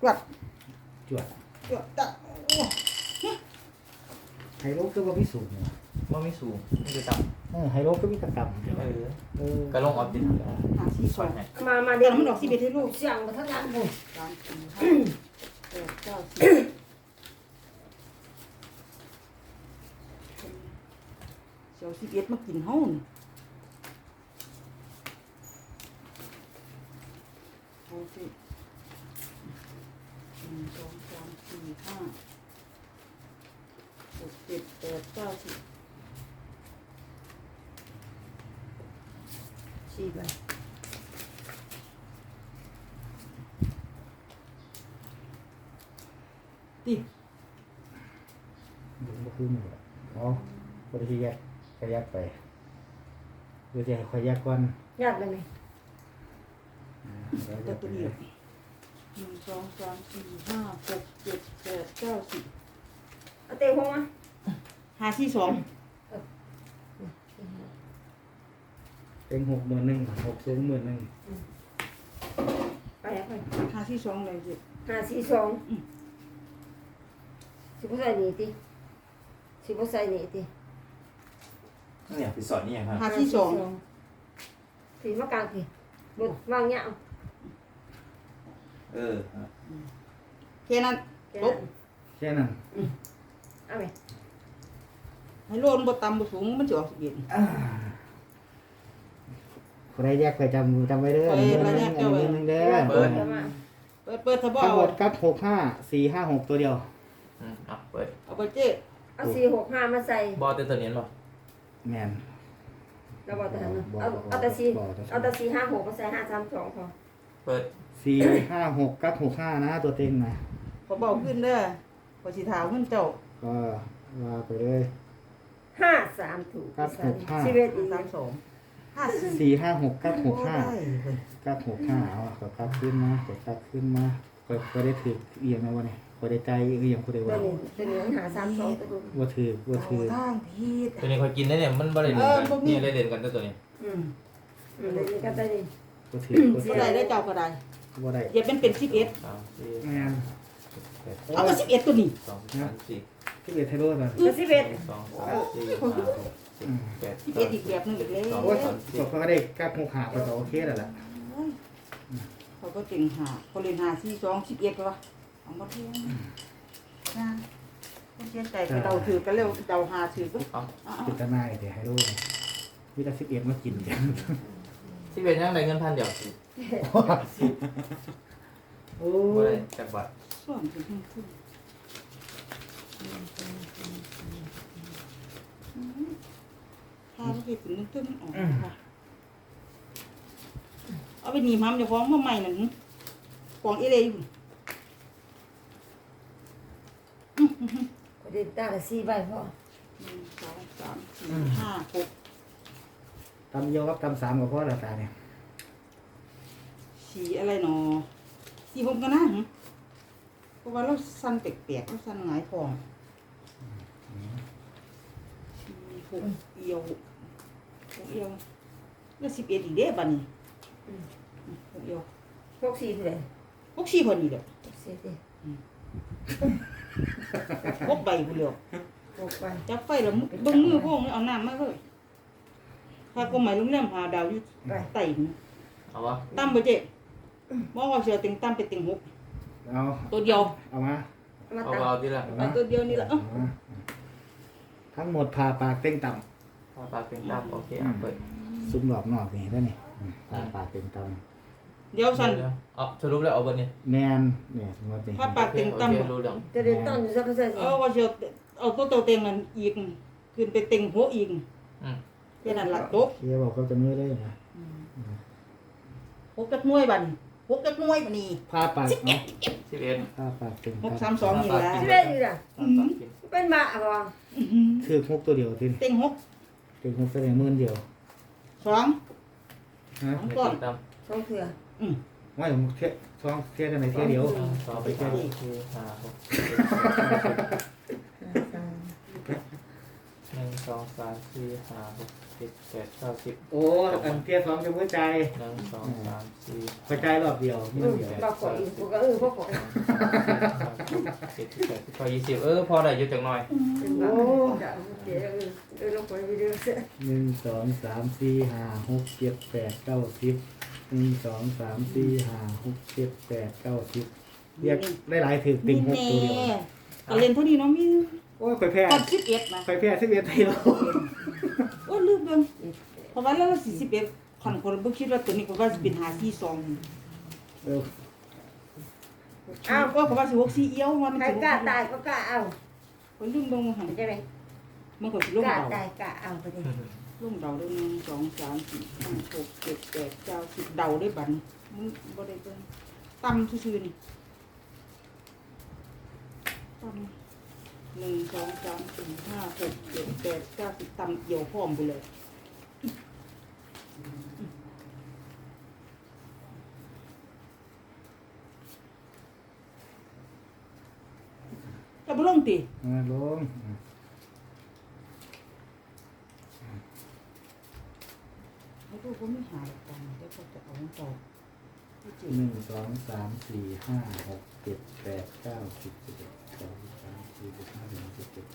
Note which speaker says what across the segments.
Speaker 1: จวด
Speaker 2: จวด
Speaker 1: จวดตัดโอ้
Speaker 2: ไฮโลก็ว่าพิสูจน์เนี่ย
Speaker 3: ว่าไม่สูงไม่คือต่
Speaker 2: ไฮโลก็มีตะกำ
Speaker 3: ำเออ
Speaker 1: ห
Speaker 3: ก็ลงออฟฟิศ
Speaker 1: หาสี่ส
Speaker 3: ซ
Speaker 1: อ
Speaker 3: อง ยให้
Speaker 4: มา
Speaker 1: เดี๋
Speaker 4: เดี๋
Speaker 1: ย
Speaker 4: ยว ว
Speaker 1: มันออก11ให้ลูก
Speaker 4: เสียงมาทั้งนั้นบุญ
Speaker 1: 3 4 5 6 7 9 10เสียว11มากินเฮานี่เอาสิ1 2 3 4 5 6 7 8 9 10
Speaker 4: สี่ใบ
Speaker 1: ติ
Speaker 2: ดูมาขึ้นหมดอ๋อคนที่แยกก็แยกไปดูจะให้คอยแยกก่อน
Speaker 4: ยากเลยไหม
Speaker 1: แต่ตัวนี้1 2 3 4 5 6 7 8 9 10
Speaker 4: เอาเตะหัวมา
Speaker 1: 5 4 2
Speaker 2: เต็ง60,000 60,000
Speaker 4: ไปแล้วไป
Speaker 1: 5 4 2เลยสิ
Speaker 4: 5 4 2สิบใส่หนีติสิบใส่หนีติ
Speaker 3: เนี่ยไปสอนนี่ยังครับ
Speaker 1: 5 4 2
Speaker 4: สีมากลางสิบุญวางเงี้ยเอา
Speaker 3: เออ
Speaker 1: แค่นั้น
Speaker 4: แค่
Speaker 1: ปุ๊
Speaker 4: นั้
Speaker 1: บ
Speaker 4: น
Speaker 2: แค่นั้น
Speaker 4: เอาไป
Speaker 1: ให้โลนบ่ต่ำบ่สูงมันสิออก11
Speaker 2: คนใดแยกไปจำไว้เด้อ1,000เด้อ
Speaker 4: เปิดแล้วมา
Speaker 1: เปิดถ้าบ่
Speaker 2: ทั้ง
Speaker 1: เอา
Speaker 2: หมดกับ65,456ตัวเดียว
Speaker 3: เอาเปิด
Speaker 1: เอาไปเจ๊
Speaker 4: เอา4 6 5มาใส่
Speaker 3: บอลเตตัวนี้ป่ะ
Speaker 2: แม่น
Speaker 4: แล้วบอกแต่หันเอาแต่4เอาแต่4 5 6มาใส่5 3 2พอ
Speaker 3: เปิด
Speaker 2: 456กับ65นะตัวเต็งนะ
Speaker 1: ขอเบาขึ้นเด้อขอสิถามขึ้นเจ้า
Speaker 2: ก็ว่าไปเลย
Speaker 4: 5 3ถูก
Speaker 2: ครับถูกห้า
Speaker 4: 11อีก
Speaker 1: 32 54
Speaker 2: 456กับ
Speaker 1: ได้
Speaker 2: 65
Speaker 1: เว้ย
Speaker 2: กับ65เอาก็กลับขึ้นมาก็กลับขึ้นมาก็ได้ถือเอียงนะวะเนี่ยก็ได้ใจเอียงก็ได้
Speaker 4: ตัว
Speaker 2: ว่า
Speaker 4: นี้ตัวนี้หา3 2ตัวดู
Speaker 2: ว่าถือว่าถือ
Speaker 1: เอาทางผิด
Speaker 3: ตัวนี้คอยกินได้เนี่ยมันบริเวณกันนี่ได้เด่นกันตัวนี้
Speaker 4: เลยนี่ก็ได้ดิ
Speaker 2: ว่าถือว่า
Speaker 1: บ่ได้ได้เจ้าก็ได้
Speaker 2: ว่าได้
Speaker 1: อย่าเป็น11
Speaker 3: 3 4
Speaker 2: แม่น
Speaker 1: เอาก็11ตัวนี้
Speaker 3: 2 3 4
Speaker 2: ที่เบียดไทโร่ก่อน
Speaker 4: ตัว11
Speaker 3: 2 3 4 5 6 7
Speaker 1: 11อีกแบบนึงอีกแล้ว
Speaker 2: โอ้ยก็ได้กับ65ก็โอเคแล้วล่ะ
Speaker 1: เขาก็เก่งหาเขาเรียนหา4 2 11ก็ว่าเอามาเทียงนะคนเสียใจไปเราถือกันเร็วเจ้าหาถือก็
Speaker 2: พิจารณาเดี๋ยวไฮโร่วิตา11มากินกัน
Speaker 3: ที่เป็นยังไงเงินพันเดียว
Speaker 2: โอ้
Speaker 3: ไม่
Speaker 2: ย
Speaker 3: ได้จากบัตร
Speaker 1: ส่วนถึงขึ้นถ้าเราเห็ดถึงตึ้งออกค่ะเอาไปหนีบห้ามจะฟ้องว่าใหม่หนึ่งกองเอเลยอยู่
Speaker 4: ก็ได้ตาละ4ใบพอ
Speaker 1: 1 2 3 4 5 6
Speaker 2: ตำเยอะกับตำ3กับพ่อละตาเนี่ย
Speaker 1: สีอะไรหนอสีผมกันนะเพราะว่าเราสั้นแปลกๆเราสั้นหงายฟองสีหกเอียวหกเอียวแล้ว11อีกเด้บัดนี้หกเอียว
Speaker 4: 64เท่าไหร่
Speaker 1: 64พอดีเด้อ
Speaker 4: 64ดิ
Speaker 1: พกใบพุ่นเดียว
Speaker 4: 6ใบ
Speaker 1: จับไฟแล้วเบิ่งมือพวกนี้เอาน้ำมาเลยถ้าก็หมายลุงแรมหาดาวอยู่ไต่นี่
Speaker 3: เอาวะ
Speaker 1: ตั้มบ่เจ๊บ่ว่าเสือติงตั้มไปติงหก
Speaker 2: เอา
Speaker 1: ตัวเดียว
Speaker 2: เอามา
Speaker 4: มา
Speaker 3: เอา
Speaker 4: ตัง
Speaker 3: เอาที่ละ
Speaker 1: เอาตัวเดียวนี่แหละ
Speaker 2: ทั้งหมดพาปากเต้งต่
Speaker 3: พาปากเป็นตามโอเคเปิด
Speaker 2: ำซุ้มหลอบนอกนี่ได้นี่พาปากเต้งต่
Speaker 1: เดี๋ยวสั่น
Speaker 3: เอาสรุปแล้วเอาเบอร์นี้
Speaker 2: ำแมนเนี่ยสมมตินี่
Speaker 1: ถ้าปากติงตั้ม
Speaker 3: โอเครู้เรื่อง
Speaker 4: จะได้ต้นอยู่สักเท่าไหร่
Speaker 1: เอาว่าเสือเอาตัวเต็งนั่นอีกขึ้นไปติงหัวอีกแค่นั้นล่ะจบ
Speaker 2: เชียบอกเขาจะไม่ได้นะ
Speaker 1: หกจักหน่วยบัดนี้หกจักหน่วยบัดนี้
Speaker 2: พาปากเนาะ
Speaker 3: 11
Speaker 2: พาปากเต้ง
Speaker 1: หก
Speaker 2: ต่
Speaker 1: สามสองนี่แหละ
Speaker 4: ที่ได้อยู่ล่ะเป็นมาบ่
Speaker 2: ำคือ6ตัวเดียวที
Speaker 1: ติงหก
Speaker 2: เต็ง6แสดง10,000เดียว
Speaker 1: สอง
Speaker 2: ฮะ
Speaker 1: ก่อน
Speaker 4: 2เทื่อ
Speaker 2: ไม่ผมเทียช่องเทียกันในเทียเดียว
Speaker 3: ต่อไปแค่นี้คือ5 6 1 2 สองสามสี่ห้าหกเจ็ดแปดเก้าสิบ
Speaker 2: โอ้อันเทียสองจะมือใจ
Speaker 3: หนึ่งสองสามสี่
Speaker 2: กระจายรอบเดียวมือเดียว
Speaker 4: เราขออีกกูก็พวกขอ
Speaker 3: เจ็ดสิบแปดสิบเก้ายี่สิบพอได้เยอะจังหน่อย
Speaker 4: เป็นบ้าจะเดี๋ยวเราขอวิดีโอเสร็จ
Speaker 2: หนึ่งสองสามสี่ห้าหกเจ็ดแปดเก้าสิบหนึ่งสองสามสี่ห้าหกเจ็ดแปดเก้าสิบเรียกได้หลายถือติ่งหกตัวเดียว
Speaker 1: ก็เล่นเท่านี้เนาะมี
Speaker 2: โอ้ยไปแพ้
Speaker 1: ก่อน11นะ
Speaker 2: ไปแพ้11ไทยโล
Speaker 1: โอ้ลืมเบิ่งเพราะว่าแล้ว41คันคนบ่คิดว่าตัวนี้ก็ว่าสิเป็น542
Speaker 2: เออ
Speaker 1: อ้าวก็เพราะว่าสิ64เอี้ยวว่ามัน
Speaker 4: ใคร
Speaker 1: สิ
Speaker 4: กล้าตายก็กล้าเอา
Speaker 1: คนลืมเบิ่งหัน
Speaker 4: ใช่ไหม
Speaker 1: มันก็สิลง
Speaker 4: กล้า
Speaker 1: เดา
Speaker 4: ตายกล้าเอาไปดิ
Speaker 1: ลงเดาได้1 2 3 4 5 6 7 8 9 10เดาได้บัดมึงบ่ได้เบิ่งต่ำซื่อๆนี่ต่ำ1 2 3 4 5 6 7 8 9 10ต่ำเกี่ยวพร้อมไปเลยจะบ่ลงติ
Speaker 2: ลง
Speaker 1: ไม่รู้ว่าไม่หาหลักการเดี๋ยวเขาจะเอาของต่อที่จริง
Speaker 2: หนึ่งสองสามสี่ห้าหกเจ็ดแปดเก้าสิบสิบเอ็ดสองสามสี่สิบห้าสิบหกสิบเจ็ด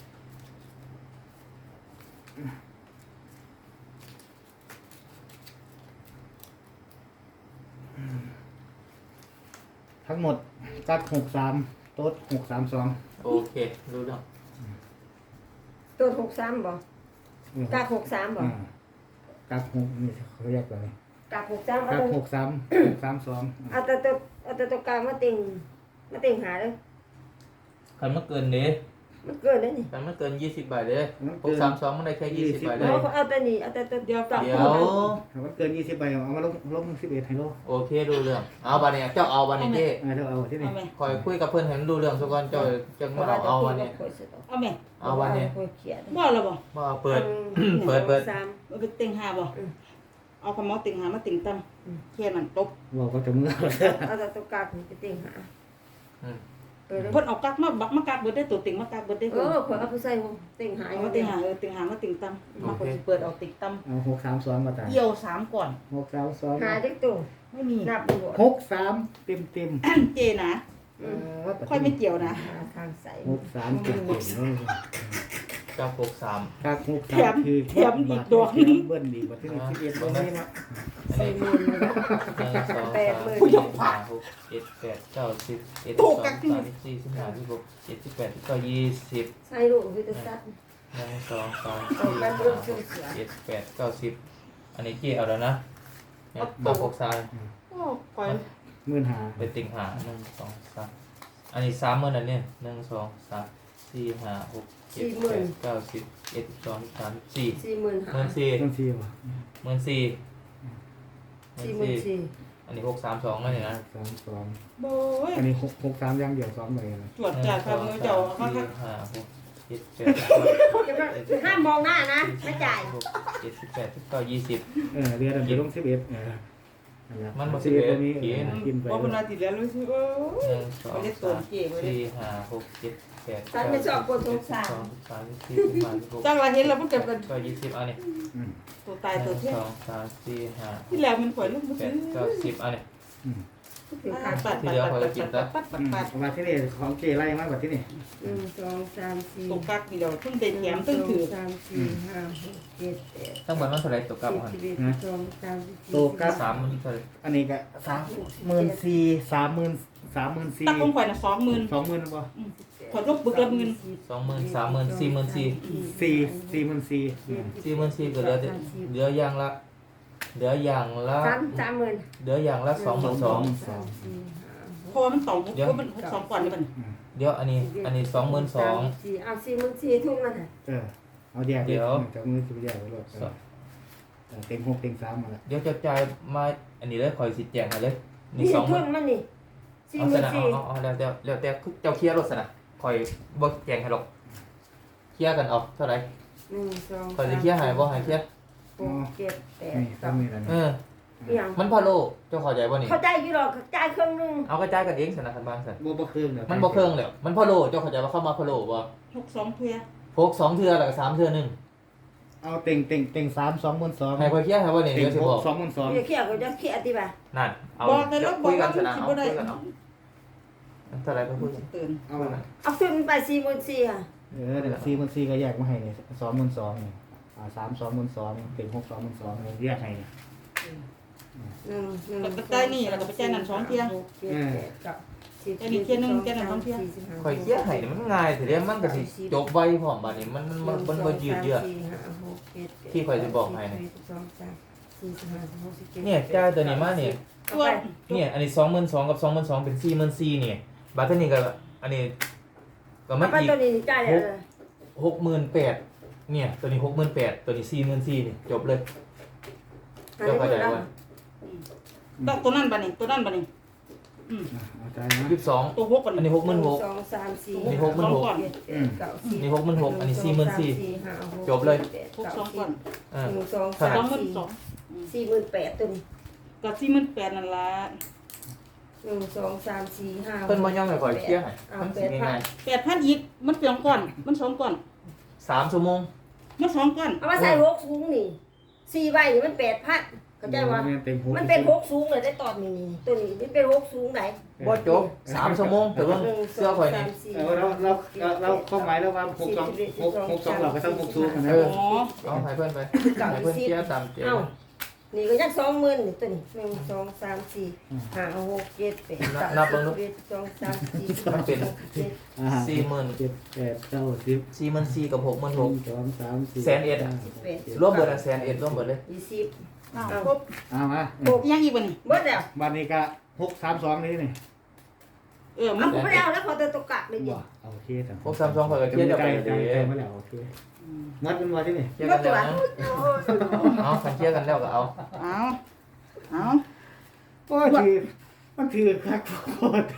Speaker 2: ทั้งหมดกัด63โต๊ด632
Speaker 3: โอเครู้เรื่อง
Speaker 4: ตัว63บ่กล้า63บ่
Speaker 2: กัด6นี่เขาเรียกอะไร
Speaker 4: กล้า63
Speaker 2: กั
Speaker 4: เอา
Speaker 2: ด632
Speaker 4: เอาแต่ตัวกลางมาติ่งหาเลย
Speaker 3: คันเมื่อเกินเด้
Speaker 4: มันเกินแล้วนี่
Speaker 3: คันเมื่อเกิน20ใบเลย632มันได้แค่20ใบเลย
Speaker 4: เอาแต่นี่เอาแต่ตัวเดียวต่อ
Speaker 3: เดี๋ยว
Speaker 2: ถ้ามันเกิน20ใบเอามาลง11ให้โล
Speaker 3: โอเครู้เรื่องเอาบัดนี้เจ้าเอาบัดนี้เจ้
Speaker 2: เท่าเอาที่นี่
Speaker 1: เอาไหม
Speaker 3: คอยคุยกับเพื่อนให้มันรู้เรื่องสักวันเจ้าจังมาเอาบัดนี้
Speaker 1: เอาไหม
Speaker 3: เอาบัดนี้
Speaker 4: เขียน
Speaker 1: บ่แล้วบ่
Speaker 3: มาเปิด เปิด
Speaker 1: เอาไปเต็งหาบ่เอาคำว่าเต็งหามาเต็งตั้มแค่นั้นจบ
Speaker 2: บอกก็จะเมื่อ
Speaker 4: เอาแต่ตัวกลางไปติ่งหา
Speaker 3: อืม
Speaker 4: เออ
Speaker 1: เพิ่นเอากักมาบักมากักเบิดได้ตัวเต็งมากักเบิดได้
Speaker 4: เอ
Speaker 1: เพิ่น
Speaker 4: อขอเอาไปใส่ติ่งหา
Speaker 1: เอามาเต็งหาเต็งหามาเต็งตั้มมาคนสิเปิดเอาเต็งตั้ม
Speaker 2: เอา632มาตาย
Speaker 1: เกี่ยว3ก่อน
Speaker 2: 632
Speaker 4: หาจักตัว
Speaker 1: ไม่มี
Speaker 4: นับดู
Speaker 2: 63เต็ม
Speaker 1: เจนะ
Speaker 2: ๆ
Speaker 1: ค่อยไม่เกี่ยวนะ
Speaker 4: หาทางใส่
Speaker 2: 63เต็มๆเลย
Speaker 3: เจ้า63
Speaker 2: กัก63คือเบิ้ลดีกว่าที่11บ่มีนะ
Speaker 3: อันนี้
Speaker 4: 40,000เลยนะ
Speaker 3: 1 2 3 4 5 6 7 8 9 10 11 12 13 14 15 16 17 18 19 20
Speaker 4: ใส่ลูกคือจะซัด
Speaker 3: 1 2 3 4 5 6 7 8 9 10อันนี้เกี่ยวแล้วนะเนี่ยบัก63
Speaker 1: โอ้ค่อย
Speaker 2: 15,000
Speaker 3: ไปติ่งหา1 2 3อันนี้30,000อันนี้1 2 3 4 5 6 7 8 9 10 11 12 13 14
Speaker 4: 40,000หา
Speaker 3: 14,000
Speaker 2: ต้อง4บ่
Speaker 3: 14,000อันนี้632นั่นเองนะ
Speaker 2: 32
Speaker 1: โบ้ย
Speaker 2: อันนี้63อย่างเดียว2ใบนะ
Speaker 1: ตรวจจ่ายครับมือเจ้ามาคัก
Speaker 3: ห้าหกเจ็ดแปด
Speaker 4: ห้ามมองหน้านะไม่จ่าย
Speaker 3: 7 18 19 20
Speaker 2: เรียนจะลง11
Speaker 3: มันบ่
Speaker 2: 11ตัวนี้
Speaker 3: กิน
Speaker 2: กินไป
Speaker 1: บ่เพิ่นว่าติดแล้วรู้สึกโอ้ย
Speaker 3: 1 2 3 4 5 6 7 8
Speaker 4: ฉันไม่ชอบคนสงสาร
Speaker 3: 12 13 14 15 16
Speaker 1: จังว่าเห็นแล้วมันเก็บกัน
Speaker 3: ก็20อันนี้
Speaker 1: ตัวตายตัวเที่ย
Speaker 3: 1 2 3 4 5
Speaker 1: ที่แล้วมันข่อยลูกบ่ซื้อ
Speaker 3: 8 9 10อันนี้
Speaker 4: ถึงขา
Speaker 1: ปั
Speaker 4: ด
Speaker 1: ดปัด
Speaker 2: มาที่นี่ของเจไล่มากกว่าที่นี่
Speaker 4: 1 2 3 4
Speaker 1: ตกกักนี่เดียวเพิ่งได้แถมเพิ่งถือ
Speaker 4: 3 4 5 6 7 8
Speaker 3: ทั้งหมดมันเท่าไหร่ตกกลับมัน
Speaker 4: 11 12 13
Speaker 2: โตกัส
Speaker 3: 3มันเท่าไหร่
Speaker 2: อันนี้ก็34,000 34,000
Speaker 1: ตักของข่อยน่ะ20,000
Speaker 2: 20,000บ่
Speaker 1: ข่อยลบบึกละหมื่น
Speaker 3: 20,000 30,000 44,000
Speaker 2: 44,000
Speaker 3: ก็เหลืออย่างละเหลืออย่างละ
Speaker 4: 30,000
Speaker 3: เหลืออย่างละ22,000
Speaker 1: เพราะว่ามัน2ก็มัน2ก่อนนี่มัน
Speaker 3: เดี๋ยวอันนี้22,000
Speaker 4: 4เอา44,000ทุ่งนั่นน่ะ
Speaker 2: เอาแยกจากมือสิแยกไว้รถเต็ง6เต็ง3มาแล้ว
Speaker 3: เดี๋ยวจะจ่ายมาอันนี้เลยคอยสิแจงให้เลยนี่
Speaker 4: นี่
Speaker 3: 20,000
Speaker 4: ทุ่งมันนี่
Speaker 3: เอาซะนะเอาแล้วแต่เจ้าเคลียร์รถซะนะคอยบ่แจงให้หรอกเคลียร์กันเอาเท่าไหร่
Speaker 4: 1 2
Speaker 3: คอยสิเคลียร์ให้บ่ให้เคลียร์
Speaker 4: 6 7
Speaker 2: นี่
Speaker 4: 8
Speaker 2: ตามนี้แล้ว
Speaker 3: เออ
Speaker 4: อย่าง
Speaker 3: มันพะโลเจ้าเข้าใจบ่นี่
Speaker 4: เข้าใจอยู่หรอกจ่ายครึ่งนึง
Speaker 3: เอากระจายกันเองซะนะคันบางซั่น
Speaker 2: บ่เครื่อง
Speaker 3: มันบ่เครื่องแล้วมันพะโลเจ้าเข้าใจว่าเข้ามาพะโลบ่
Speaker 1: 62เพื่อ
Speaker 3: พก2เทื่อแล้วก็3เทื่อหนึง
Speaker 2: เอาเต็ง3 22,000
Speaker 3: ให้ค่อยเคลียร์ให้ว่านี่
Speaker 2: เต็ง
Speaker 3: เดี๋ยวสิ
Speaker 2: ห
Speaker 3: บ
Speaker 2: ก
Speaker 3: อก
Speaker 2: 22,000
Speaker 4: จะเครียดก็จะเครียดที่บ่า
Speaker 3: นั่นเอา
Speaker 1: บอกในรถบ
Speaker 3: คุ
Speaker 1: อก
Speaker 3: ยกั
Speaker 1: ว่าน
Speaker 3: ซะ
Speaker 1: มัน
Speaker 3: นะ
Speaker 1: สิ
Speaker 3: เอา
Speaker 1: บ่ได้
Speaker 3: คุยกันเอาเท่าไหร่ก็คุยกัน
Speaker 1: ตื่น
Speaker 2: เอาละ
Speaker 4: เอาขึ้นไป44,000ค่ะ
Speaker 2: เดี๋ยว4,400ก็แยกมาให้นี่22,000นี่3 22,000เต็ง6 22,000นี่แยกให้นี่
Speaker 1: แล้วก็จ่ายนี่แล้วก็ไปจ่ายนั่น2เที่ย
Speaker 4: อันนี้เที่ยนึงเที่ยนึง2เที่ย
Speaker 3: ค่อยเคลียร์ให้นี่มันง่ายแต่เดี๋ยวมันก็สิจบไวพร้อมบัดนี้มันบ่ยืดเยื้อ ที่ข่อยจะบอกให้นะ เนี่ยจ่ายตัวนี้มาเนี่ย
Speaker 1: ตัว
Speaker 3: เนี่ยอันนี้22,000กับ22,000เป็น44,000เนี่ยบัดนี้ก็อันนี้ก็
Speaker 4: มา
Speaker 3: มา
Speaker 4: ไป
Speaker 3: อีก
Speaker 4: ตัวนี้จ่ายเลย
Speaker 3: 68,000เนี่ยตัวนี้68,000ตัวนี้44,000นี่จบเลยเจ้าเข้าใจว่า
Speaker 1: ต้องตัวนั้นบัดนี้ตัวนั้นบัดนี้
Speaker 2: เอาใจนะ
Speaker 3: 22
Speaker 1: ตัวหกบัด
Speaker 3: อัน
Speaker 1: นี้
Speaker 3: นี้
Speaker 4: 1
Speaker 3: 66,000
Speaker 4: 2 3 4
Speaker 3: นี่66,000 นี่66,000อันนี้44,000จบเลย
Speaker 1: 62ก่อน
Speaker 3: เออ
Speaker 4: 1 2
Speaker 3: เท่าไหร่
Speaker 4: 3 4 48,000ตัวนี้
Speaker 1: กับ48,000นั่นล่ะ
Speaker 4: 1 2 3 4 5
Speaker 3: เพิ่นบ่ยอมให้ข่อยเคลียร์ให้มันสิง่าย
Speaker 1: 8,000อีกมันเปลี่ยนก่อนมัน2ก่อน
Speaker 3: 3ชั่วโมง
Speaker 1: มัน2ก่อน
Speaker 4: เอามาใส่6สูงนี่4ใบนี่มัน 8,000เข้าใจว่า
Speaker 2: เต็ง6
Speaker 4: มันเป็น6สูงเลยได้ตอนนี้นี่ตัวนี้มันเป็น6สูงไหน
Speaker 3: บ่จบ3ชั่วโมงแต่ว่าเสื้อข่อยนี่
Speaker 2: เราข้อหมายแล้วว่า62เราก็ต้อง6สูงนะ
Speaker 3: เออเอาให้เพิ่นไปให้เพิ่นเคลียร์ตามเจ
Speaker 4: เอ้านี่ก็ยัง20,000นี่ตัวนี้1 2 3 4 5 6 7 8
Speaker 3: นับเบิ่งดู
Speaker 4: 1 2 3 4
Speaker 3: มันเป็น
Speaker 2: 7 8 9 10
Speaker 3: 44,000กับ66,000
Speaker 2: 2 3 4
Speaker 3: แสนเอ็ดอะ รวมเบิดอ่ะ100,000รวมเบิดเลย
Speaker 4: 20
Speaker 1: อ้าวครบ
Speaker 2: เอามา
Speaker 1: ยังอีกบัดนี้
Speaker 4: เบิดแล้ว
Speaker 2: วันนี้ก็632นี่นี่
Speaker 1: มั
Speaker 4: เอา
Speaker 1: น
Speaker 4: ผมไม่ได้เอาแล้วพอตัวกะเลยดิ
Speaker 2: โอเค
Speaker 3: 632ข่อยก็เคลียร์เดี๋ยวไป
Speaker 2: ใจ
Speaker 3: เด้อ
Speaker 2: มาแล้วโอเคมัดมันมาที่นี่
Speaker 3: เคลียร์กันแล้วนะเอาคันเคลียร์กันแล้วก็เอา
Speaker 1: เอา
Speaker 2: โอ้ยมันถือคักโคตร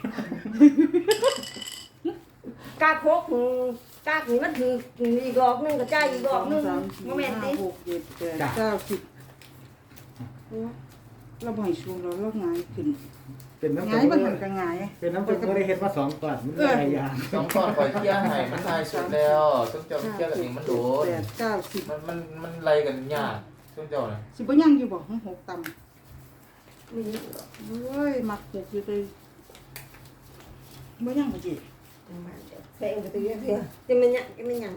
Speaker 4: กากโคกกากนี่มันถืออีกดอกนึงก็จ่ายอีกดอกนึงโมเมนต์ดิ
Speaker 1: 6 7 8 9 10เราบ่ให้ชูเราหงายขึ้น
Speaker 2: เป็นน้ำ
Speaker 1: หงายมันหันก็หงาย
Speaker 2: เป็นน้ำจุกก็ได้เห็นว่า2ก่อนมันหลายอย่าง
Speaker 3: 2ก้อนข่อยเคลียร์ให้มันทายสุดแล้วซุมเจ้าเคลียร์กันเองมันโดน
Speaker 1: 8 9 10
Speaker 3: มันไล่กันยากซุมเจ้าน่ะ
Speaker 1: สิบ่ยังอยู่บ่6ต่ำ
Speaker 4: มี
Speaker 1: เฮ้ยมัก6อยู่เลยบ่ยังบ่จิ
Speaker 4: แพงไปตัวเยอะเพียจะมันยังจะมันยัง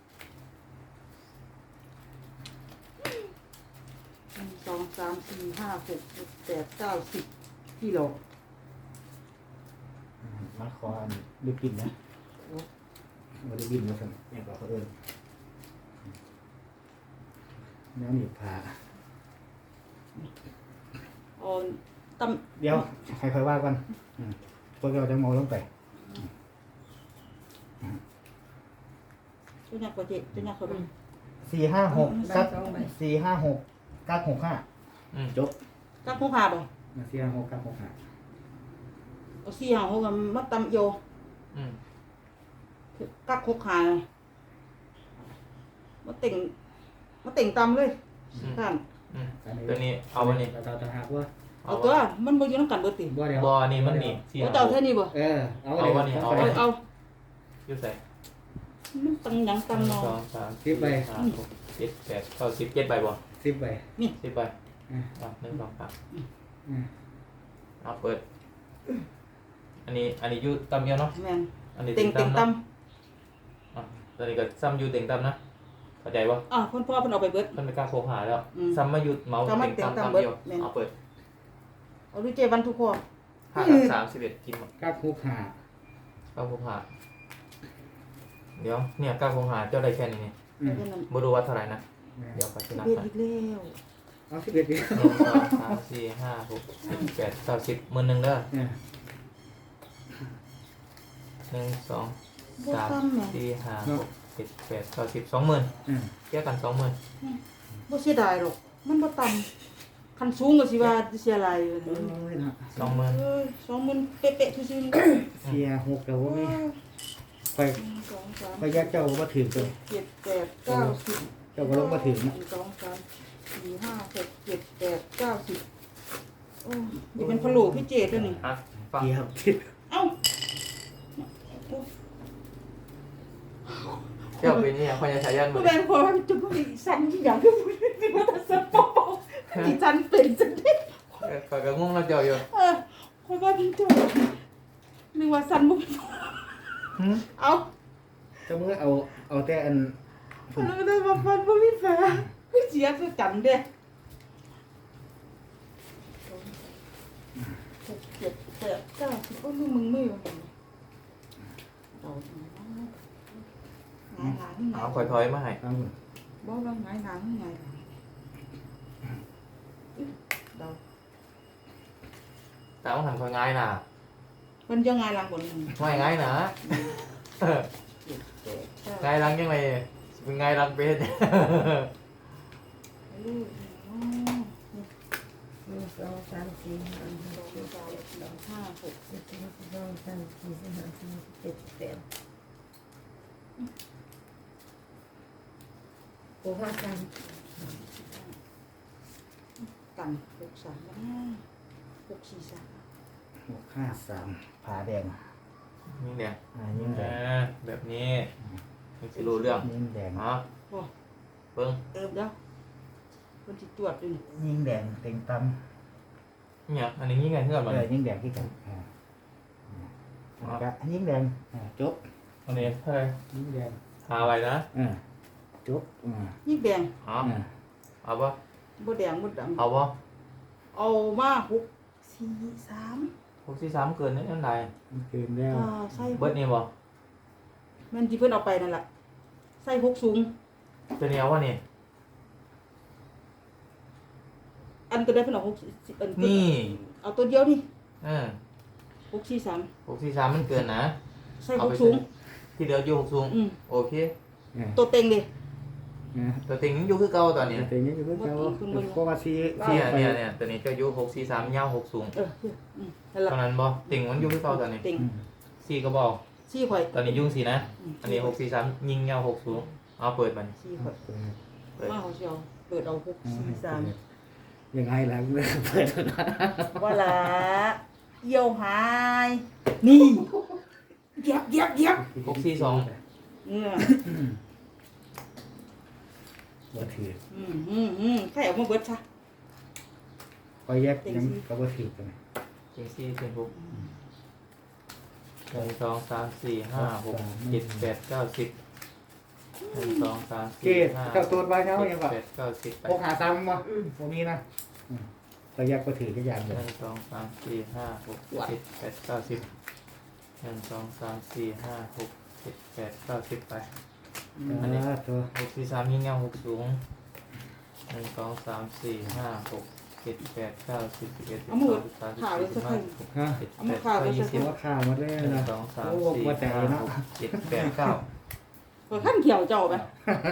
Speaker 1: 2 3 4 5 6 7 8 9 10กิโล
Speaker 2: มาขออันได้กินนะมาได้กินมาสั่งเนี่ยก็เขาเอิญน้ำหนีบผ้า
Speaker 1: อ๋อตำ
Speaker 2: เดี๋ยวใครว่ากันพวกเราจะมองลงไป
Speaker 1: ตัวนี้ก็เจ็ดตัวนี้ก็เป็น
Speaker 2: 456กัก456กัก65จบ
Speaker 1: กักผู้พาบ่
Speaker 2: 456กัก65
Speaker 1: เอาสี่หางหกกันมาตำโย
Speaker 3: อืม
Speaker 1: กักหกหายมาเต่งตำเลยท่าน
Speaker 3: ตัวนี้เอาวันนี้
Speaker 2: เราจะหักว่า
Speaker 1: เอาตัวมันบ่อยู่นำกันเบิดติ
Speaker 2: บ่เดี๋ยว
Speaker 3: บอนี่มันนี่ที่
Speaker 1: เอาเจ้าแค่นี้บ่
Speaker 2: เอา
Speaker 3: เอาวันนี้เอา
Speaker 1: เอา
Speaker 3: อยู่ใส่
Speaker 1: มันตังหยังตำ
Speaker 3: 1
Speaker 1: เนาะ
Speaker 3: 2 3 4 5 6 7 8 9 10 7ใบบ่
Speaker 2: 10ใบ
Speaker 3: 10ใบอ่ะ1 2 3เอาเปิดอันนี้อยู่ตำเดียวเนาะ
Speaker 1: แม่น
Speaker 3: อันนี้
Speaker 1: เต่ง
Speaker 3: เต็ง
Speaker 1: ต
Speaker 3: ตำเนาะอ่ะตอนนี้ก็ซ้ำอยู่เต็งตำนะเข้าใจป่ะ
Speaker 1: อ่ะเพิ่นพ่อเพิ่นเอาไปเบิด
Speaker 3: มันไม่กล้าโคหาแล้ว
Speaker 1: อืม
Speaker 3: ซ้ำมาอยู่เมาส์
Speaker 1: ซ้ำมา
Speaker 3: เต็ง
Speaker 1: เต็ง
Speaker 3: ตำ
Speaker 1: ตำ
Speaker 3: ตำ
Speaker 1: เบิด
Speaker 3: เดียว
Speaker 1: แม่น
Speaker 3: เอาเปิด
Speaker 1: เอาด้วยเจวันทุกข้อ
Speaker 3: 5 31กินหมด
Speaker 2: กัก65
Speaker 3: 9โคหาเดี๋ยวเนี่ย9โคหาเจ้าได้แค่นี้นี่
Speaker 1: แค่นั้น
Speaker 3: บ่รู้ว่าเท่าไหร่นะเดี๋ยวไปที่นับ
Speaker 1: เบ็ด
Speaker 3: กัน
Speaker 1: อีกแล้ว
Speaker 2: เอา11ดิ
Speaker 3: 1 2 3 4 5 6 7 8 9 10 10,000เด้อ1 2
Speaker 1: บ่ซ้ำแหม่
Speaker 3: 3 4 5 6 7 8 9 10 20,000เทียบกัน 20,000
Speaker 1: บ่เสียดายหรอกมันบ่ต่ำคันสูงก็สิว่าเสียหลายอยู่นี่
Speaker 3: 20,000
Speaker 1: เอ้ย20,000เป๊ะๆซื่อๆ
Speaker 2: เสีย6แต่ว่ามีไป
Speaker 1: 2 3
Speaker 2: ไปแยกเจ้ามาถึงเลย
Speaker 1: 7 8 9 10
Speaker 2: เจ้าก็ลงมาถึง
Speaker 1: 1 2 3 4 5 6 7 8 9 10โอ้ยเป็นพะโล้พี่เจตัวนี้
Speaker 3: อ่ะฟัง
Speaker 2: เกียบทิศ
Speaker 1: เอ้า
Speaker 3: เจ้าเป็นนี่ยังพยาชายันหม
Speaker 1: ก็
Speaker 3: ด
Speaker 1: แม่พอมันจุ๊บมันสั่นอย่างที่มันจะสั่นปอกที่สั่นเป็นจังได๋
Speaker 3: ข่อยก็งงแล้วเจ้าอยู่
Speaker 1: เพราะว่าพี่จุ๊บนึกว่าสั่นบ่เอา
Speaker 2: เจ้ามือเอาแต่อัน
Speaker 1: แล้วก็ได้มาฟันบ่มีฝาคือเสียคือจำเด้6 7 8 9 10โอ้ยมึงไม่อยู่เอาหงายหลังหงา
Speaker 3: เอา
Speaker 1: ย
Speaker 3: ข่อยถอยมาให้
Speaker 2: เอาหมด
Speaker 1: บ่ว่าหงายหลังหงายหลังเดา
Speaker 3: แต่ว่าหันข่อยง่ายน่ะ
Speaker 1: เพิ่นจะหงายหลังบนนึง
Speaker 3: ไม่ง่ายนะง่ายรังยังไงเป็นง่ายรังเป็น
Speaker 4: 1 2 3 4 5 6 7
Speaker 1: 5 6
Speaker 4: 1 2 3 4 5 6 7 8โอ้ห้าสาม
Speaker 1: กัน6 3นะ6 4 3
Speaker 2: 653ผาแดง
Speaker 3: นี่เนี่ย
Speaker 2: ยิ่งแดง
Speaker 3: แบบนี้มันจะรู้เรื่อง
Speaker 2: ยิ่งแดง
Speaker 3: อ๋อ
Speaker 1: โอ้
Speaker 3: เบิ้ง
Speaker 1: เด้อเพิ่นสิตรวจอยู่
Speaker 2: ยิ่งแดงเต็งต
Speaker 3: เนี่ยอันนี้ยังไงเพื่อน
Speaker 2: ำ
Speaker 3: มัน
Speaker 2: ยิ่งแดงที่กันแล้วก็ยิ่งแดงจบ
Speaker 3: อันนี้เฮ้ย
Speaker 2: ยิ่งแดง
Speaker 3: หาไว้นะ
Speaker 2: จบ
Speaker 1: ยิ่งแดง
Speaker 3: อ๋อเอาปะ
Speaker 1: บ่แดงบ่ดำ
Speaker 3: เอาปะ
Speaker 1: เอามา6 4 3
Speaker 3: 643เกินนี่นั่นไร
Speaker 2: เกินแล้ว
Speaker 1: ใส่
Speaker 3: เบิร์ดนี่บ่
Speaker 1: แม่นที่เพิ่นเอาไปนั่นล่ะใส่6สูง
Speaker 3: ตัวนี้เอาวะนี่
Speaker 1: อันตัวได้เพิ่นเอา6อัน
Speaker 3: นี่
Speaker 1: เอาตัวเดียวนี่
Speaker 3: 643
Speaker 1: 6 4 3
Speaker 3: มันเกินนะ
Speaker 1: ใส่6สูง
Speaker 3: ที่เหลืออยู่6สูงโอเค
Speaker 1: ตัวเต็งดิ
Speaker 3: ตัวติงอยู่คือเก่าตอนนี้
Speaker 2: แต่ยังอยู่เก่าเพราะว่าซี
Speaker 3: เนี่ยตัวนี้เจ้าอยู่643ยาว6สูง
Speaker 1: นั่นล่ะ
Speaker 3: ตอนนั้นบ่ติงมันอยู่คือเก่าตอนนี้
Speaker 1: เต็ง
Speaker 3: 4ก็บอก
Speaker 1: 4ข่อย
Speaker 3: ตอนนี้ยุ่ง4นะอันนี้643ยิงยาว6สูงเอาเปิดมัน
Speaker 1: 4ข่อย
Speaker 3: เปิด
Speaker 1: มาเขาสิเอาเปิดเอา6 4 3
Speaker 2: ยังไงหลังเปิด
Speaker 1: ว่าละเอี่ยวหายนี่เย็บ
Speaker 3: 642
Speaker 1: เนี่ย
Speaker 2: บ่ถือ
Speaker 1: ใครเอามาเบิดซะ
Speaker 2: คอยแยกยังก็บ่ถือกัน
Speaker 3: ติง4ติง6 1 2 3 4 5 6 7 8 9 10 1 2 3
Speaker 2: เจ๊
Speaker 3: 4 5
Speaker 2: เจ้าตัวใบเงายังบ่
Speaker 3: 8 9 10ไป
Speaker 2: พกหาซ้ำบ่พวกนี้นะคอยแยกก็ถือกันอย่างเดียว
Speaker 3: 1 2 3 4 5 6 7 8 9 10 1 2 3 4 5 6 7 8 9 10ไป
Speaker 2: ตัว
Speaker 3: 643ยิงเงา6สูง1 2 3 4 5 6 7 8 9 10 11
Speaker 1: เอามาเบิด
Speaker 3: 12 13
Speaker 1: ข่าวเลยสัก
Speaker 3: 14
Speaker 1: คน
Speaker 3: 15
Speaker 2: ฮะ
Speaker 1: เอามาข่าวเลยสักคน
Speaker 2: ว่าข่าวมาเลย
Speaker 3: 1
Speaker 2: นะ
Speaker 3: 2 3 4 5 6 7 8 9
Speaker 1: เปิดขั้นเขียวเจ้าไป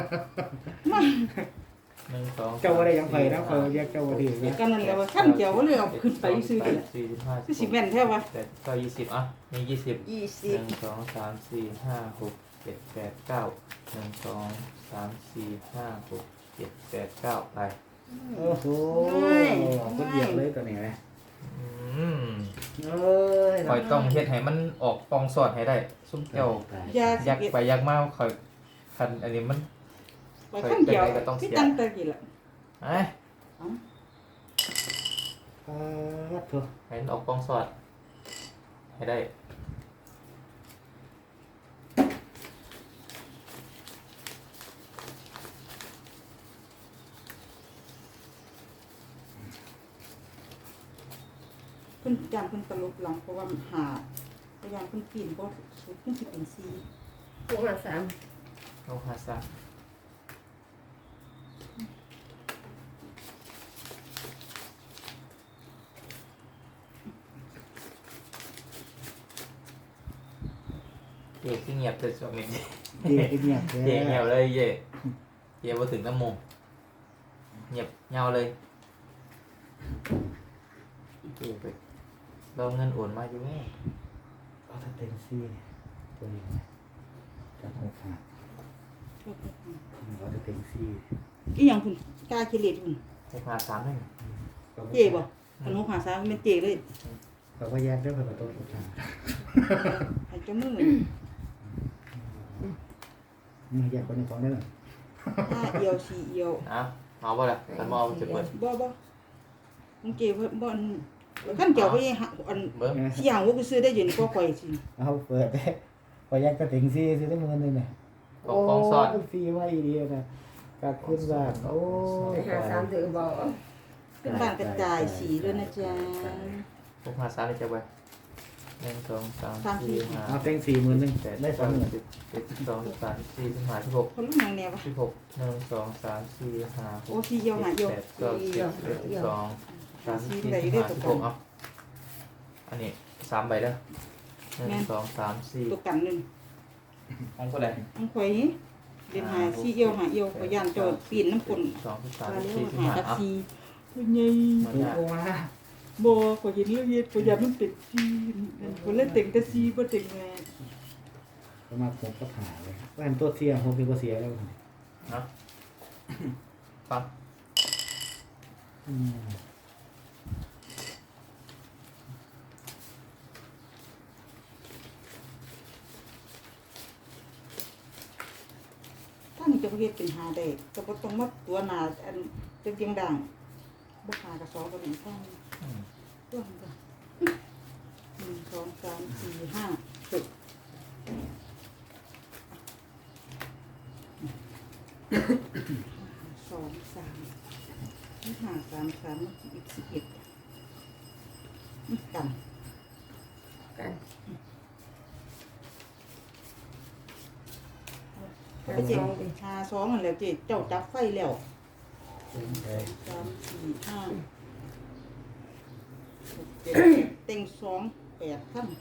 Speaker 3: 1 2
Speaker 2: เจ้าว่าได้ยังไฟนะคอยแยกเจ้าว่าถือ
Speaker 1: เดี๋ยว
Speaker 2: นะ
Speaker 1: กันนั่นแหละว่าขั้นเขียวก็เลยเอาขึ้นไปซื้อเลย
Speaker 3: 45
Speaker 1: คือสิแม่นแท้วะ
Speaker 3: 8 9 20อ่ะมี20
Speaker 1: 20
Speaker 3: 1 2 3 4 5 6 7 8 9 1 2 3 4 5 6 7 8 9ไป
Speaker 2: โอ้โหคนเหยียบเลยตัวนี้นะ
Speaker 3: อืม
Speaker 2: เอ้ย
Speaker 3: คอยต้องเฮ็ดให้มันออกปองสอดให้ได้ซุ่มเจ้า
Speaker 1: ยา
Speaker 3: ยักไปยักมาคอยคันอันนี้มัน
Speaker 1: ไปขั้นเขียวที่ตั้งแต่กี่ละ
Speaker 3: ไอ้
Speaker 2: ถูก
Speaker 3: ให้มันออกปองสอดให้ได้
Speaker 1: เพิ่นยามเพิ่นตลบหลังเพราะว่าหาพยายามเพิ่นปีนเพราะสุดเพิ่นสิเป็น4
Speaker 4: 6 5 3
Speaker 3: เอาหาซะเจ๊ที่เงียบเลยช่วงนี้
Speaker 2: เจี๊ยบเงียบ
Speaker 3: เจ๊เงียบเลยเจ๊เจ๊มาถึงน้ำมงเงียบเงาเลยเจ๊ไปเราเงินโอนมาอยู่แม่
Speaker 2: เอาถ้าเต็มซี่ตัวนี้จับหกขาเอาถ้าเต็มซี่
Speaker 1: อีหยังคุณกล้าคิดเลขคุณ
Speaker 3: 653นึง
Speaker 1: เจ๊บ่อัน6 5 3เป็นเจ๊เลย
Speaker 2: เขาก็แยกด้วยประตูทุกทาง
Speaker 1: ให้เจ้ามือ
Speaker 2: นี่แยกคนในของได้หน่อย
Speaker 1: 5เอียว4เอียว
Speaker 3: อ่ะเอาบ่ล่ะคันบ่เอาจะเปิด
Speaker 1: บ่มึงเก็บบ่ขั้นเกี่ยวไปอัน
Speaker 3: เบิ่ง
Speaker 1: ที่อย่างว่ากูซื้อได้อยู่นี่ก็ข่อยสิ
Speaker 2: เอาเปิดได้พอแยกก็ถึงซีซื้อได้เงินเลยเนี่ย
Speaker 3: ของซ่อน
Speaker 2: ฟรีไว้ดีนะกัดขึ้นบ้านโอ้ย
Speaker 4: หาสามถือบอก
Speaker 1: ขึ้นบ้านกระจายสีด้วยนะจ๊ะ
Speaker 3: พวกหา3ได้จักไว้1 2 3 4 5
Speaker 2: เอาเต็ง40,000
Speaker 3: 8
Speaker 2: ได้
Speaker 3: 9
Speaker 2: 20,000
Speaker 3: 10 11 12 13 14 15 16
Speaker 1: คนลูกนางแนวปะ
Speaker 3: 16 1 2 3 4 5
Speaker 1: โอ้สีเอียวหาเอียว
Speaker 3: 8 9 10 11 12 13 14 15 16เอาอันนี้3ใบเด้อ1 2 3
Speaker 1: ตัว
Speaker 3: 4
Speaker 1: กันหนึ่ง
Speaker 3: ของคนใด
Speaker 1: อังข่อยนี่เรียนหาสีเอียวหาเอียวข่อยย่านโจดปีนน้ำฝน
Speaker 3: 2
Speaker 1: มา
Speaker 3: 3
Speaker 1: เรีย
Speaker 3: 4
Speaker 1: กหา
Speaker 3: 15
Speaker 1: กับ
Speaker 3: เอา
Speaker 1: สีข่อยใหญ่
Speaker 2: ถูกว่า
Speaker 1: บ่ข่อยเห็นแล้วเฮ็ดข่อยอยากมันเป็นสีข่อยเลยเต็งแต่สีบ่เต็งแม่
Speaker 2: ประมาณ6กับหาเลยว่าอันตัวเสีย6เป็นบ่เสียแล้ว
Speaker 3: นะฟัง
Speaker 2: อืม
Speaker 1: ถ้านี่จะเฮ็ดเป็นหาได้ก็บ่ต้องมาตัวหน้าอันเป็นเตียงด่างบ่หากระสอบก็เป็นข้างตัวมันก็1 2 3 4 5 6 2 3 5 3 3อีก11กัน
Speaker 4: กัน
Speaker 1: ไปเจ็บหาสองนั่นแหละเจ๊เจ้าจับไฟแล้ว
Speaker 2: ได้
Speaker 1: 3 4 5 6 7 เต็ง2 8ขั้น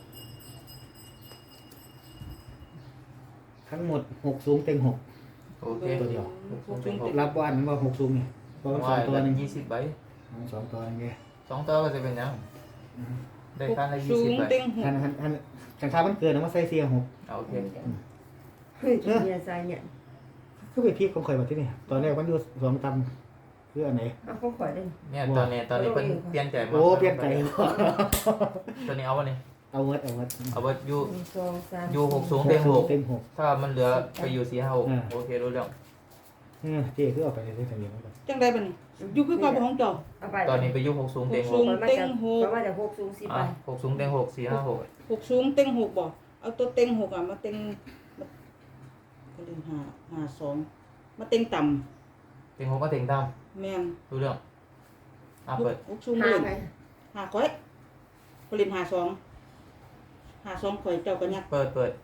Speaker 2: ทั้งหมด6สูงเต็ง6
Speaker 3: โอเค
Speaker 2: ตัวเดียว
Speaker 1: รั
Speaker 2: รับวันว่า6สูงนี่เพราะว่า2ตัวนึง
Speaker 3: 20ใบ
Speaker 2: 2ตัวนึงไง
Speaker 3: 2ตัวก็จะเป็นยังได้คันละ
Speaker 1: สูง
Speaker 3: 20ใบ
Speaker 1: เต็งห
Speaker 2: หั
Speaker 1: ก
Speaker 2: นจังค่ามันเกินนะว่าใส่เสีย6
Speaker 3: เอาโอเค
Speaker 4: เฮ้ยเนี่ยใส่เนี่ย
Speaker 2: คือไปพีคของข่อยมาที่นี่ตอนแรกมันอยู่2ตำคืออันไหน
Speaker 4: เอาของข่อยได้
Speaker 3: เนี่ยตอนนี้เพิ่นเปลี่ยนใจมา
Speaker 2: โอ้เปลี่ยนใจ
Speaker 3: ตัวนี้เอาวะนี่
Speaker 2: เอาเวิร์ด
Speaker 3: เอาไว้อยู่
Speaker 4: 1 2 3
Speaker 3: อยู่6สูงเต็ง
Speaker 2: เต็ง
Speaker 3: 6ถ้ามันเหลือไปอยู่4 5 6โอเครู้เรื่อง
Speaker 2: 6เจ๊คือเอาไปเลยทะเบียนแล้ว
Speaker 1: จังได้บ่นี่อยู่คือกับของเจ้า
Speaker 4: เอาไป
Speaker 3: ตอนนี้ไปอยู่6สูงเต็ง
Speaker 1: สูง
Speaker 4: มาจากมาจาก6สูง10ไป
Speaker 3: 6สูงเต็ง6 4 5 6
Speaker 1: 6สูงเต็ง6บ่เอาตัวเต็ง6อ่ะมาเต็งก็ลืมหา2มาเต็งต่ำ
Speaker 3: เต็ง6ก็เต็งต่
Speaker 1: แม่น
Speaker 3: ำรู้เรื่องเปิด
Speaker 1: 6สูง
Speaker 4: หา
Speaker 1: เลย
Speaker 4: ไป
Speaker 1: หาข่อยก็เล่นหา2ข่อยเจ้าก็ยัก
Speaker 3: เปิด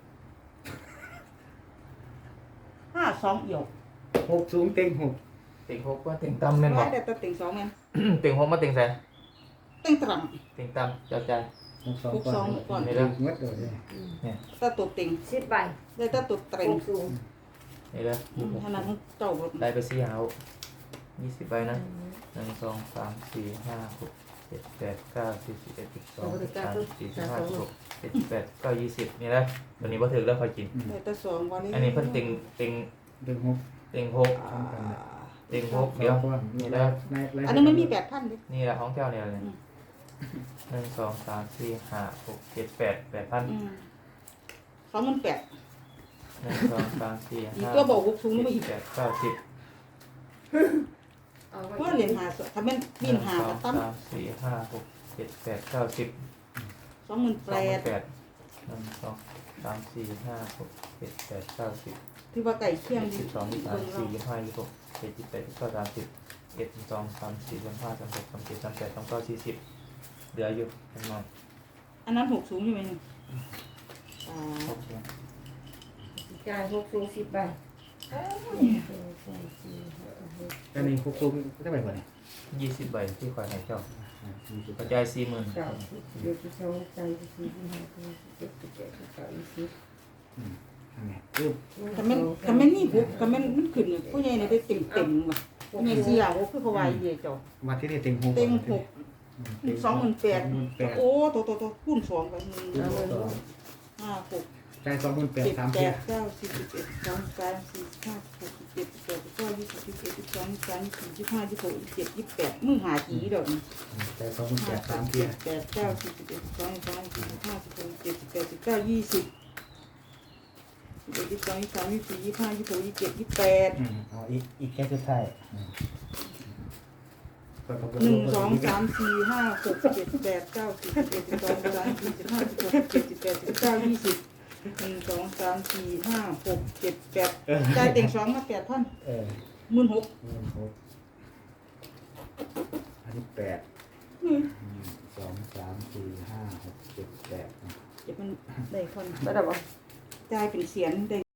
Speaker 1: 52เอี่ยว
Speaker 2: 6สูงเต็ง6
Speaker 3: เต็ง6ก็เต็งต่ำแม่นบ่
Speaker 1: ว่าแต่ตัวเต็ง2แม่น
Speaker 3: เต็ง6มาเต็งใส่
Speaker 1: เต็งตรัง
Speaker 3: เต็งต่ำจับใจ
Speaker 2: 6 2ก่อน
Speaker 3: นี่เด้อ
Speaker 2: เวิร์ดเลย
Speaker 1: ถ้าตัวเต็ง
Speaker 4: 10ใบ
Speaker 1: ได้ถ้าตัวเต็ง
Speaker 4: 6สูง
Speaker 3: นี่เด้อ
Speaker 1: ขนาดของเจ้าบ่
Speaker 3: ได้ไป4 5 6 20ใบนะ1 2 3 4 5 6 7 8 9 10 11 12 13 14 15 16 17 18 9 20นี่แหละตัวนี้บ่ถึงแล้วค่อยกิน
Speaker 1: ได้แต่2วันนี้
Speaker 3: อันนี้เพิ่นเต็ง
Speaker 2: เต็ง6
Speaker 3: เต็ง6เต็ง6เดี๋ยวนี่แหละ
Speaker 1: อันนั้นไม่มี8,000ดิ
Speaker 3: นี่แหละของแก้วเนี่ยเลย1 2 3 4 5 6 7 8 8,000
Speaker 1: 28,000
Speaker 3: 1 2 3 4
Speaker 1: อีก
Speaker 3: 5
Speaker 1: ตัวบอก6สูงนี่บ่อีก
Speaker 3: 7 8 9 10
Speaker 4: เอาไว้
Speaker 1: เพราะเรียนหาถ้าแม่นปีนหาก็ตั้ม
Speaker 3: 3 4 5 6 7 8 9 10
Speaker 1: 28,000
Speaker 3: 1 2 3 4 5 6 7 8 9 10
Speaker 1: ที่ว่าไก่เคี่ยงดี
Speaker 3: 12 13 14 15 16 17 18 19 30 1 2 3 4 5 36 37 38 39 40เหลืออยู่ประมาณ
Speaker 1: อันนั้น6สูงอยู่ไหมนี่
Speaker 3: โอ
Speaker 1: อ่า
Speaker 3: เค
Speaker 4: จ่าย6สูง10ใบ
Speaker 2: อันนี้6สูงได้ไปกว่านี่
Speaker 3: 20 ใบที่คอยให้เจ้า
Speaker 2: 20
Speaker 3: กระจาย 40,000
Speaker 4: 9 10 11 12 13 14 15 16 17 18 19 20
Speaker 2: อันนี้คือ
Speaker 1: ถ้าแม่นนี่6ถ้าแม่นมันขึ้นเนี่ยผู้ใหญ่เนี่ยได้เต็มว่ะผู้ใหญ่เสียโอ้คือเขาว่าอีเด้เจ้า
Speaker 2: มาที่นี่เต็ง6
Speaker 1: เต็ง6 28,000โอ้โตคูณ2ไป1 5 6
Speaker 2: จ่าย28,000 3
Speaker 1: 8
Speaker 2: เที่ย
Speaker 1: 9 10 11 12 13 14 15 16 17 18 19 20 21 22 23 24 25 26 27 28มึงหาจีเด้อนี่
Speaker 2: จ่าย28,000 3เที่ย
Speaker 1: 8 9 10 11 12 13 14 15 16 17 18 19 20 21 22 23 24 25 26 27 28
Speaker 2: เอาอีกแค่สุดท้าย
Speaker 1: จ่ายเต็ง2มา8,000
Speaker 2: เออ
Speaker 1: 16,000
Speaker 2: 16,000อันนี้8 1 2 3 4 5 6 7 8
Speaker 1: เดี๋ยวมันได้คน
Speaker 4: บ่ได้บ่
Speaker 1: จ่ายเป็นเสียนได้